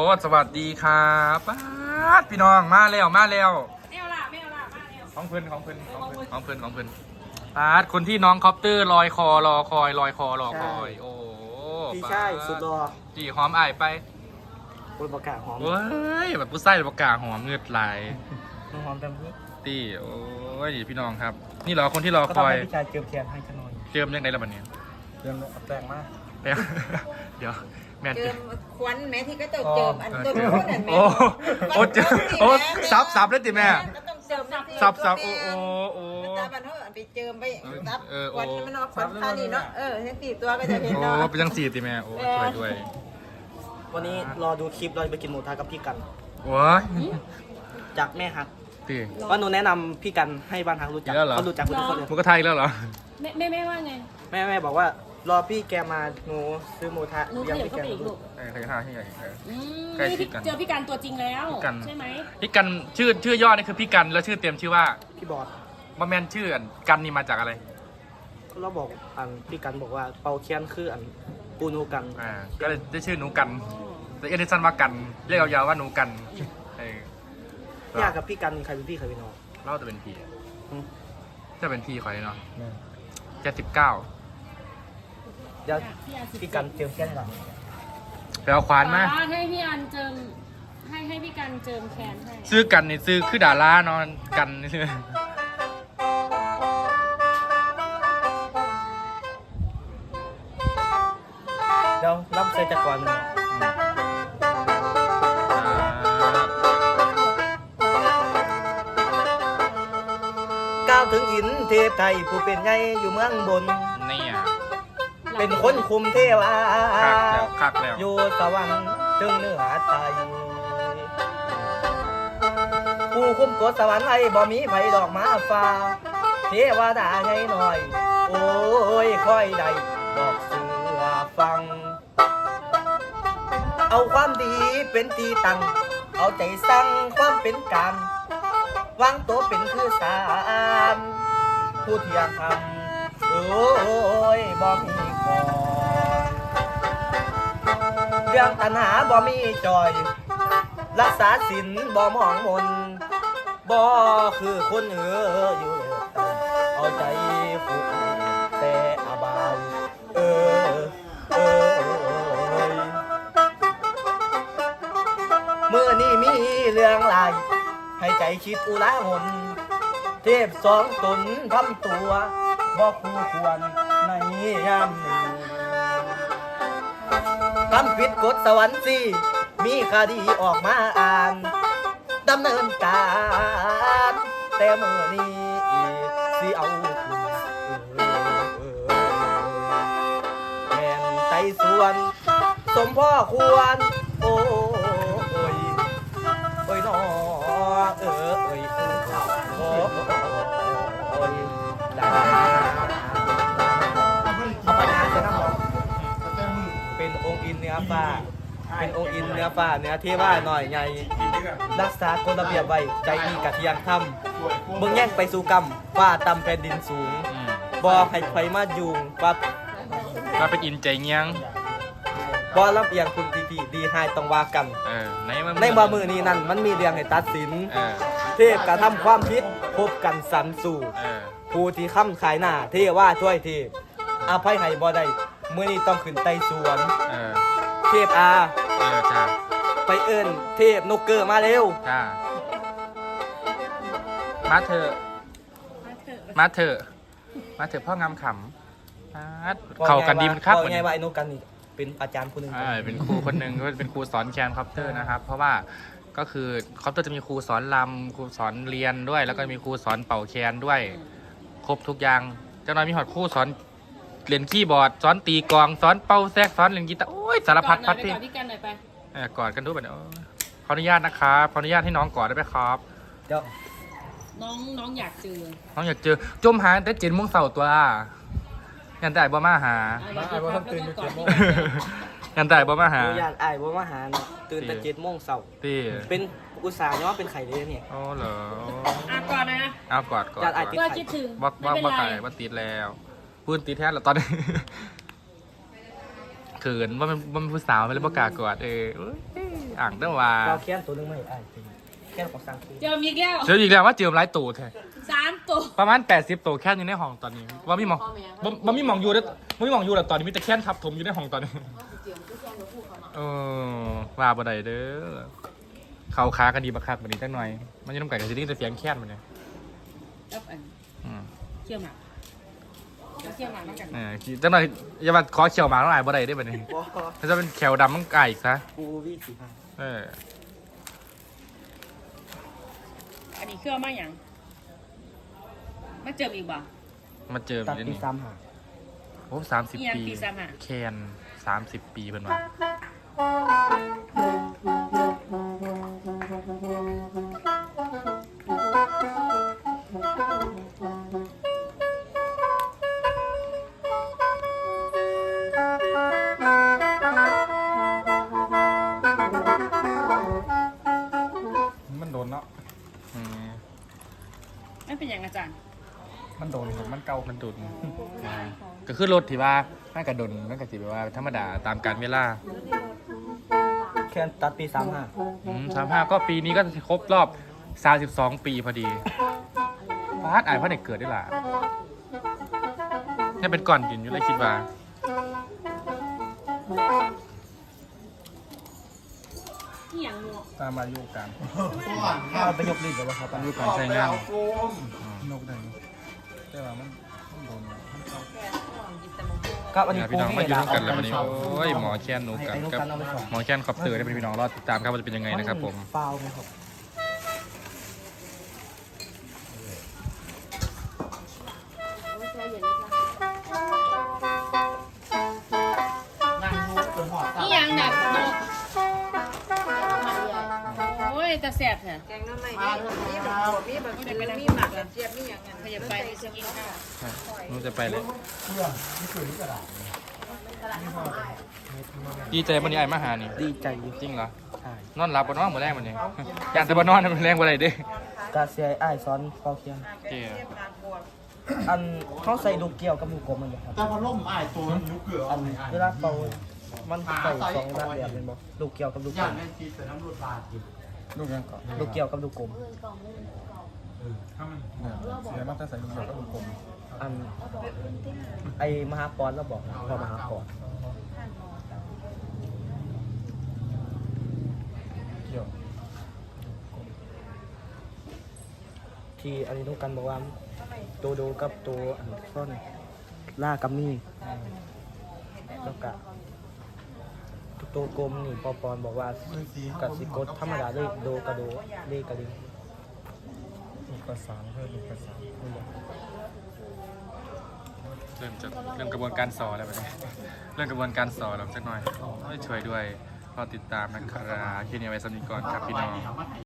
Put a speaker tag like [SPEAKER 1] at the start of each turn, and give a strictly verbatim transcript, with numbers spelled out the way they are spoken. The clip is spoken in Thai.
[SPEAKER 1] สวัสดีครับป้าดพี่น้องมาแล้วมาแล้ว
[SPEAKER 2] ไม่เอาละไม่เอาละมาแล้ว
[SPEAKER 1] ของเพื่อนของเพื่อนของเพื่อนของเพื่อนของเพื่อนป้าดคนที่น้องคอปเตอร์ลอยคอรอคอยลอยคอรอคอยโอ้
[SPEAKER 3] พี่ใช่สุดรอ
[SPEAKER 1] จีหอมอายไป
[SPEAKER 3] บนประกาศหอม
[SPEAKER 1] เว้ยแบบผู้ใส่ประกาศหอมเงือดไหล
[SPEAKER 3] น้องหอมเต็มที่
[SPEAKER 1] ตีโอ้ยพี่น้องครับนี่เหรอคนที่รอคอย
[SPEAKER 3] ก็ต้องให้พี่ชายเจิมเทียนให้ฉันหน่อย
[SPEAKER 1] เจิมยังไงละบัดนี้
[SPEAKER 3] เจิมแปลงมาก
[SPEAKER 1] แปลงเดี๋ยวแม่
[SPEAKER 2] เจิมควันแม่ที่ก็ต้องเจิมอันต้นโคตรนั่นแม่
[SPEAKER 1] โอ้โอ้เจิมโอ้ซับซับเลยจิแม่
[SPEAKER 2] ก็ต้องเจิม
[SPEAKER 1] ซับซับโอ้โอ้โอ้
[SPEAKER 2] ตาบันเขาไปเจิมไปซับควันมันออกควันท่านี่เนาะเออทั้งสี่ตัวก็จะเห็นเนาะ
[SPEAKER 1] โอ้เป็นจังสี่จิแม่โอ้ช่วยด้วย
[SPEAKER 3] วันนี้รอดูคลิปเราไปกินหมูทะกับพี่กัน
[SPEAKER 1] ว้า
[SPEAKER 3] จากแม่ฮักว่าหนูแนะนำพี่กันให้บ้านฮักรู้จักเขารู้จักทุกคนเลย
[SPEAKER 1] มุกไทยแล้วเหรอ
[SPEAKER 2] แม่แม่แม่ว่าไง
[SPEAKER 3] แม่แม่บอกว่ารอพี่แกมาหนูซื้อหมูทะ
[SPEAKER 2] เลี้ยงพี่แกลูก
[SPEAKER 1] ใครใครห้าที่ไหน
[SPEAKER 2] ใครเจอพี่กันตัวจริงแล้วใช่ไหม
[SPEAKER 1] พี่กันชื่อชื่อย่อนี่คือพี่กันแล้วชื่อเต็มชื่อว่า
[SPEAKER 3] พี่บอด
[SPEAKER 1] มาแมนชื่อกันนี่มาจากอะไร
[SPEAKER 3] เราบอกอันพี่กันบอกว่าเปาเคียนคืออันปูนูกัน
[SPEAKER 1] อ่าก็เลยได้ชื่อหนูกันแต่เอเดสันว่ากันเรียกยาวๆว่าหนูกัน
[SPEAKER 3] ยากกับพี่กันใครเป็นพี่ใครเป็นน้อง
[SPEAKER 1] เล่าจะเป็นพี่จะเป็นพี่ใครเนาะเจ็ดสิบเก้า
[SPEAKER 3] เดี๋ยวพี่กันเจิมแค่หลัง
[SPEAKER 1] ไปเอาควานมา
[SPEAKER 2] ให้พี่อันเจิมให้ให้พี่กันเจิมแขนให้
[SPEAKER 1] ซื้อกันนี่ซื้อคือดารานอนกันนี่ซื้อ
[SPEAKER 3] เดี๋ยวรับใส่จักรวาลก้าวถึงอินเทพไทยผู้เป็นใหญ่อยู่เมืองบน
[SPEAKER 1] นี่อ่ะ
[SPEAKER 3] เป็นคนคุมเทวา
[SPEAKER 1] คักแล้วคักแล้ว
[SPEAKER 3] อยู่สวรรค์ถึงเนื้อไตผู้คุมกฎสวรรค์ไอ้บ่มีไผดอกมาฟ้าเทวดาใหญ่หน่อยโอ้ยค่อยได้บอกเสือฟังเอาความดีเป็นตีตั้งเอาใจสั่งความเป็นกลางวางตัวเป็นคือสารผู้ที่อยากทำโอ้ยบ่มีของเรื่องตัณหาบ่มีจอยรักษาศีลบ่มองมนบ่คือคนเอ๋ออยู่เอาใจผูกแต่อบายเออเออเมื่อนี้มีเรื่องหลายให้ใจคิดอุลาหนเทพสองตนทำตัวบ่คู่ควรในยามนี้ทำผิดกฎสวรรค์สิมีคดีออกมาอ่านดำเนินการแต่เมื่อนี้สิเอาคุณแม่นไต่สวนสมพ่อควรโอ้ยโอ้ยน้อเออเอ้ยโอ้ยได้เอาไปงานจะนั่งหรอเป็นองค์อินเนื้อฟ้าเป็นองค์อินเนื้อฟ้าเนื้อเทวาหน่อยใหญ่รักษากฎระเบียบไว้ใจดีกะเทียงทำเบิ่งแย่งไปสู่กรรมฟ้าต่ำแผ่นดินสูงบ่ให้ใครมายุ่งว่า
[SPEAKER 1] มาเป็นอินใจเงี้ยง
[SPEAKER 3] บ่ลำเอียงคุณดีดีดีให้ต้องว่ากัน
[SPEAKER 1] ใน
[SPEAKER 3] ในบ่มือนี้นั่นมันมีเรื่องให้ตัดสินเทพกระทำความผิดพบกันสันสู่ผู้ที่ค้ำขายหน้าเทว่าช่วยเทพอภัยให้บ่ได้มื้อนี้ต้องขึ้นไต่สวนเทพอาไปเอิ้นเทพนกเกอร์มาเร็ว
[SPEAKER 1] มาเถอะมาเถอะมาเถอะพ่องามขำเข่ากันดีมันครับ
[SPEAKER 3] ไงว่าไอ้นกกันนี่เป็นอาจารย์คนหนึ่ง
[SPEAKER 1] เป็นครูคนหนึ่งก็เป็นครูสอนแคนคอปเตอร์นะครับเพราะว่าก็คือคอปเตอร์จะมีครูสอนลำครูสอนเรียนด้วยแล้วก็มีครูสอนเป่าแคนด้วยครบทุกอย่างเจ้าน้อยมีหอดครูสอนเรียนคีย์บอร์ดสอนตีกลองสอนเป่าแซกสอนเล่นกีตาร์โอ้ยสารพัดพัดที่กอดกันดูแบบนี้ขออนุญาตนะครับขออนุญาตให้น้องกอดได้ไหมครับ
[SPEAKER 3] เดี๋ยว
[SPEAKER 2] น้องน้องอยากเจอ
[SPEAKER 1] น้องอยากเจอจมหาแต่เจ็ดโมงเสาร์ตัวยันแต่บ่มาหา
[SPEAKER 3] ไอ้บ่ต้องตื่นเจ็ดโมง
[SPEAKER 1] ยันแต่บ่มาหา
[SPEAKER 3] อยากไอ้บ่มาหาตื่นแต่เจ็ดโมงเสาร์เป็นอุตส่าห์ย้อนเป็นไข่เลยเนี่ย
[SPEAKER 1] อ๋อเหรอ
[SPEAKER 2] อ่ะกอดนะ
[SPEAKER 1] อ้าวกอดกอด
[SPEAKER 2] ก็คิดถึง
[SPEAKER 1] บอกบอกบอกไข่ว่าติดแล้วพื้นติดแท้แล้วตอนนี้เขินว่ามันว่ามันผู้สาวไม่ได้ประกล้ากอดเออเอ้ยอ่างเด้อว่า
[SPEAKER 3] เราแค้นตัวหนึงไม่ไอ้ตีแค้นของสังคี
[SPEAKER 2] เจอมีแก้ว
[SPEAKER 1] เจออีกแล้วว่าเจอหลายตัวแท้
[SPEAKER 2] สามตัว
[SPEAKER 1] ประมาณแปดสิบตัวแค่อยู่ในห้องตอนนี้ว่ามีหมองบ่บ่มีหมองอยู่แล้วบ่มีหมองอยู่แล้วตอนนี้มีแต่แค่นทับถมอยู่ในห้องตอนนี้เออว่าบ่ได้เด้อเขาค้ากันดีบักคักบัดนี้จักหน่อย มันจะน้ำไก่กับซีรีส์แต่เสียงแค่นมันเนี่ย
[SPEAKER 2] แล้วอัน
[SPEAKER 1] อืม
[SPEAKER 2] เชี่ยวหมากแล้วเชี่ยวหมากเหมือนกัน
[SPEAKER 1] เออจักหน่อยอย่ามาขอเขียวหมาต้องอายบ่ได้เด้อบัดนี้
[SPEAKER 3] บ่
[SPEAKER 1] ถ้าจะเป็นแขวดำมันไก่อีกซะ
[SPEAKER 3] กูวีสิห้า
[SPEAKER 1] เออ
[SPEAKER 2] อันนี้เครื่องมาอย่างมาเจออีกบ่
[SPEAKER 1] มาเจอ
[SPEAKER 3] ตัด
[SPEAKER 1] เดี๋ยว
[SPEAKER 3] ปี
[SPEAKER 1] นี้
[SPEAKER 3] สามหา
[SPEAKER 1] โอ้สามสิบ
[SPEAKER 2] อีหยัง
[SPEAKER 1] ปี
[SPEAKER 2] ปีสามห้า
[SPEAKER 1] แคนสามสิบปีเพิ่นว่า
[SPEAKER 4] มันโดนเนาะ
[SPEAKER 1] อืม
[SPEAKER 2] ไม่เป็นอย่างอาจารย์
[SPEAKER 4] มันโดนครับมันเก่า
[SPEAKER 1] มันดุนอ่าก็คือรถที่ว่ามันกระดนมันก็สิแบบว่าธรรมดาตามการเวลา
[SPEAKER 3] แค้นตัดปีสามห้า
[SPEAKER 1] สามห้าก็ปีนี้ก็ครบรอบสามสิบสองปีพอดีฟาดอายเพราะเด็กเกิดได้ล่ะนี่เป็นก่อนกินอยู่เลยคิดว่า
[SPEAKER 2] อีหยังงัว
[SPEAKER 4] ตามอายุการ
[SPEAKER 3] เอาไปยกลิ้นเลยวะครับ
[SPEAKER 1] อายุการใช้งาน
[SPEAKER 4] นกได้แต่ว่ามันมันโดนมันเก่า
[SPEAKER 3] ครับอันนี้
[SPEAKER 1] เนี่ยพี่น้องมาอยู่ร่วมกันแล้ววันนี้
[SPEAKER 3] เา
[SPEAKER 1] โอ้ยหมอแค้นหนูกับ
[SPEAKER 3] ไอ้นุ
[SPEAKER 1] กับ
[SPEAKER 3] กันเอาไปสอง
[SPEAKER 1] หมอแค้นคอปเตอร์ได้เป็นพี่น้องรอดติดตามครับว่าจะเป็นยังไงนะครับผม
[SPEAKER 3] ฟาวไหมครับ
[SPEAKER 2] อีหยังแบบนกโอ้ยแต่แสบแท้
[SPEAKER 5] แกงน้ำใหม่นี่มีแบบมีแบบมีหมักแบบเจี๊ยบมีอย่างนั้น
[SPEAKER 2] ขยับไปจะกินข้าว
[SPEAKER 1] หนูจะไปเลยดีใจวันนี้ไอ้มาหานี่
[SPEAKER 3] ดีใจอยู่
[SPEAKER 1] จริงเหรอ
[SPEAKER 3] ใช่
[SPEAKER 1] นอนหลับบนนอนเหมือนแรงวันนี้อยากแต่บนนอนมันแรงกว่าไรเด้
[SPEAKER 3] กาเซียไอ้ายซ้อนเป่าเคียง
[SPEAKER 1] เจ้
[SPEAKER 3] อันเขาใส่ลูกเกี่ยวกับลูกกลมมันอยู่ครับ
[SPEAKER 6] แต่พอล่มอ้ายตัวมันยุกเกลือ
[SPEAKER 3] อันเวลาเป่ามันใส่สองด้านแบบเป็นบ่ลูกเกี่ยวกับลูกกล
[SPEAKER 6] ย่าน
[SPEAKER 3] ม
[SPEAKER 6] แม่ทีใส่น้ำรูดบาดอยู่
[SPEAKER 4] ลูกยังเกาะ
[SPEAKER 3] ลูกเกี่ยวกับลูกกลม
[SPEAKER 6] ถ้ามัน
[SPEAKER 4] เนี่ยเสียมากถ้าใส่ลูกเดียวก็ลูกกลม
[SPEAKER 3] อันไอมหาปอนเราบอกนะพอมหาปอน
[SPEAKER 4] เกี่ยว
[SPEAKER 3] ที่อันนี้ต้องกันบอกว่าตัวโดกับตัวอันซ่อนล่ากัมมี่แล้วก็ตัวกลมนี่ปอปอนบอกว่ากับสิกดธรรมดาเลยโดกระโดเลกระลิง
[SPEAKER 4] ลูกกระสานเพื่อลูกกระสาน
[SPEAKER 3] นี่บอก
[SPEAKER 1] เริ่มจะเริ่มกระบวนการสอนแล้วแบบนี้เริ่มกระบวนการสอนแล้วสักหน่อยโอ้ยช่วยด้วยรอติดตามนะครับคลิปนี้ไว้สำหรับนิก่อนครับพี่น้อง